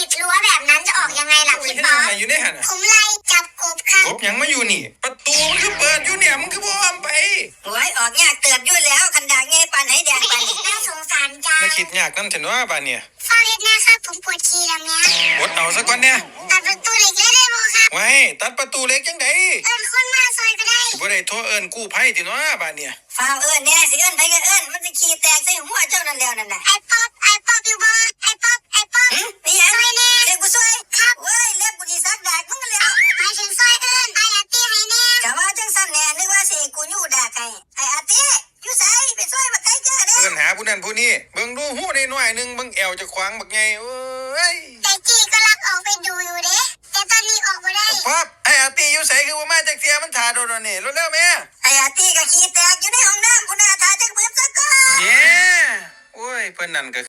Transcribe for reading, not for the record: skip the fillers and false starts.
ดรั้วแบบนั้นจะออกยังไงล่ะพี่ป๊อปอยู่ในหันผมไล่จับกบครับกบยังไม่อยู่นี่ประตูมันคือเปิดอยู่เนี่ยมันคือบ่อ้อมไปหวยออกยากเติบอยู่แล้วคันดากเงยปานไหแดงปานนี้น่าสงสารจังไม่คิดยากนั่นฉันว่าบ้านเนี่ยฟังเฮ็ดนะครับผมปวดขี้แล้วเนี่ยอดเอาซะก่อนเนี่ยตัดประตูเหล็กเลยได้บ่ครับไว้ตัดประตูเล็กจังไดเอิ้นคนมาซอยก็ได้บ่ได้โทรเอิ้นกู้ภัยติเนาะบ้านเนี่ยฟ้าวเอิ้นแน่สิเอิ้นไผก็เอิ้นมันสิขี้แตกใส่หัวเจ้านั่นแล้วนั่นน่ะไอ้ป๊อปอยู่บ่ไอ้ป๊อปนี่หยังซอยแน่เด็กกูซวยครับเว้ยเล็บกูสิซักดากมึงกันแล้วหมายถึงซอยเอิ้นไอ้อาตี้ให้แน่ก็ว่าจังซั่นแน่นึกว่าสิกูอยู่ดากให้ไอ้อาติอยู่ไสไปซอยบักไก่จ้าเด้เอิ้นหาผู้นั้นผู้นี้เบิ่งดูหู้ได้น้อยนึงเบิ่งแอวจะขวางบักใหญ่เอ้ยแต่จี้ก็รักออกไปดูอยู่เด้แต่ตอนนี้ออกบ่ได้ป๊อบไอ้อาตีอยู่ไสคือบ่มาจักเที่ยมันถ่าโดนนี่เร็วๆแม่ไอ้อาติก็ขี้แตกอยู่ในห้องน้ำกูน่าท่าจักเบิดซะก่อนเย้โอ้ยเพิ่นนั่นก็